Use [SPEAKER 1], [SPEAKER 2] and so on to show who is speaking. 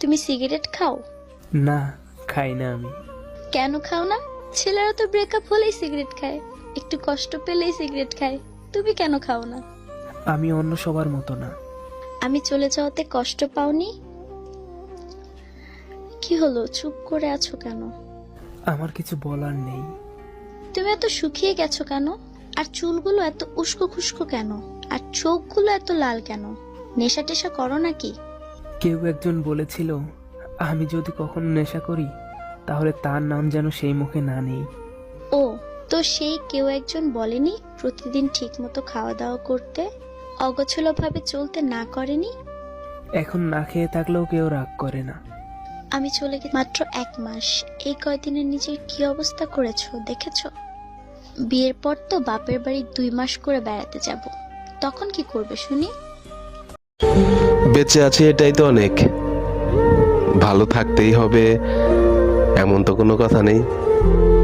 [SPEAKER 1] তুমি সিগারেট খাও?
[SPEAKER 2] না, খাই না আমি।
[SPEAKER 1] কেন খাও না? ছেলেরা তো ব্রেকআপ হলেই সিগারেট খায়, একটু কষ্ট পেলেই সিগারেট খায়, তুমি কেন খাও না?
[SPEAKER 2] আমি অন্য সবার মতো না।
[SPEAKER 1] আমি চলে যাওয়াতে কষ্ট পাওনি? কি হলো, চুপ করে আছো কেন?
[SPEAKER 2] আমার কিছু বলার নেই।
[SPEAKER 1] তুমি এত শুকিয়ে গেছো কেন? আর চুলগুলো এত উস্কো খুস্কো কেন? আর চোখগুলো এত লাল কেন? নেশা টেশা করো নাকি?
[SPEAKER 2] কেউ একজন বলেছিল, আমি যদি কখনো নেশা করি তাহলে তার নাম যেন সেই মুখে না নেই।
[SPEAKER 1] ও, তো সেই কেউ একজন বলেনি প্রতিদিন ঠিক মতো খাওয়া দাওয়া করতে, অগোছলো ভাবে চলতে না করেনি?
[SPEAKER 2] এখন না খেয়ে থাকলেও কেউ রাগ করে না।
[SPEAKER 1] আমি চলে গেছি মাত্র 1 মাস, এই কয়দিনে নিজের কি অবস্থা করেছো দেখেছো? বিয়ের পর তো বাপের বাড়ি 2 মাস করে বেড়াতে যাব, তখন কি করবে শুনি?
[SPEAKER 3] বেঁচে আছি এটাই তো অনেক। ভালো থাকতেই হবে এমন তো কোনো কথা নেই।